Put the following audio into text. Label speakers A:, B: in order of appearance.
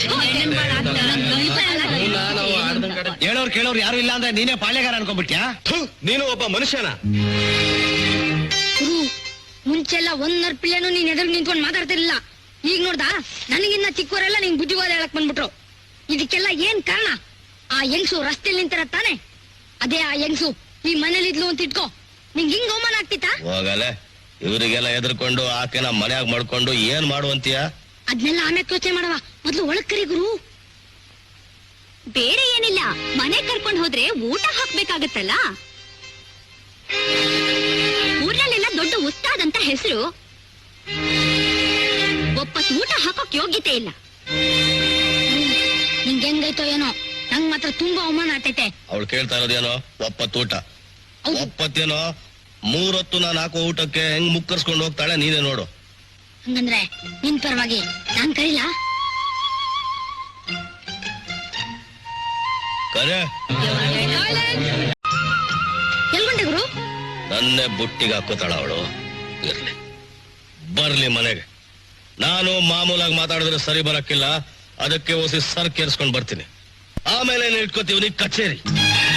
A: ಹೇಳೋರು ಕೇಳೋರು ಯಾರು ಇಲ್ಲ ಅಂದ್ರೆ ನೀನೇ ಪಾಳ್ಯಗಾರ ಅನ್ಕೊಂಡ್ಬಿಟ್ಯಾ?
B: ನೀನು ಒಬ್ಬ ಮನುಷ್ಯನ.
C: ಮುಂಚೆಲ್ಲ ಒಂದರ ಪಿಲ್ಲೆನು ನೀನ್ ಎದುರು ನಿಂತ್ಕೊಂಡು ಮಾತಾಡ್ತಿರ್ಲಿಲ್ಲ. ಈಗ ನೋಡ್ದಾ ನನಗಿನ್ನ ಚಿಕ್ಕವರೆಲ್ಲ ನಿಂಗ್ ಬುದ್ಧಿವಾದ ಹೇಳಕ್ ಬಂದ್ಬಿಟ್ರು. ಇದಕ್ಕೆಲ್ಲ ಏನ್ ಕಾರಣ? ಆ ಹೆಂಗ್ಸು ರಸ್ತೆಯಲ್ಲಿ ನಿಂತಿರ ತಾನೆ, ಅದೇ ಆ ಹೆಂಗ್ಸು ಈ ಮನೇಲಿ ಇದ್ಲು ಅಂತ ಇಟ್ಕೋ, ನಿಂಗ್ ಹಿಂಗ್ ಅವಮಾನ ಆಗ್ತಿತ್ತ?
B: ಹೋಗಲೆ, ಇವರಿಗೆಲ್ಲ ಎದ್ರಕೊಂಡು ಆಕೆನ ಮನ್ಯಾಗ ಮಾಡ್ಕೊಂಡು ಏನ್ ಮಾಡುವಂತೀಯ?
C: ಅದ್ನೆಲ್ಲ ಆಮೇಲೆ ಯೋಚನೆ ಮಾಡವ, ಮೊದ್ಲು ಒಳಗ್ ಕರಿ ಗುರು.
D: ಬೇರೆ ಏನಿಲ್ಲ, ಮನೆ ಕರ್ಕೊಂಡ್ ಹೋದ್ರೆ ಊಟ ಹಾಕ್ಬೇಕಾಗತ್ತಲ್ಲ. ಊರ್ನಲ್ಲೆಲ್ಲ ದೊಡ್ಡ ಉಸ್ತಾದ್ ಅಂತ ಹೆಸರು, ಒಪ್ಪತ್ ಊಟ ಹಾಕೋಕ್ ಯೋಗ್ಯತೆ ಇಲ್ಲ.
C: ನಿಂಗೆ ಹೆಂಗೈತೋ ಏನೋ, ನಂಗ್ ಮಾತ್ರ ತುಂಬಾ ಅವಮಾನ ಆಗ್ತೈತೆ.
B: ಅವಳು ಕೇಳ್ತಾ ಇರೋದೇನೋ ಒಪ್ಪತ್ತೂಟ. ಒಪ್ಪತ್ತೇನೋ 3 ಹೊತ್ತು ನಾನು ಹಾಕೋ ಊಟಕ್ಕೆ ಹೆಂಗ್ ಮುಕ್ಕರ್ಸ್ಕೊಂಡು ಹೋಗ್ತಾಳೆ ನೀನೇ ನೋಡು.
C: ಹಂಗಂದ್ರೆ ನಿನ್ ಪರವಾಗಿ ನಾನ್ ಕರೀಲ?
B: ಕರೆ
C: ಎಲ್ಗೊಂಡೆ ಗುರು?
B: ನನ್ನೇ ಬುಟ್ಟಿಗೆ ಹಾಕೋತಾಳ ಅವಳು. ಇರ್ಲಿ, ಬರ್ಲಿ ಮನೆಗೆ. ನಾನು ಮಾಮೂಲಾಗಿ ಮಾತಾಡಿದ್ರೆ ಸರಿ ಬರಕ್ಕಿಲ್ಲ, ಅದಕ್ಕೆ ಓಸಿ ಸರ್ ಕೇರ್ಸ್ಕೊಂಡ್ ಬರ್ತೀನಿ. ಆಮೇಲೆ ಇಟ್ಕೋತೀವಿ ನೀ ಕಚೇರಿ.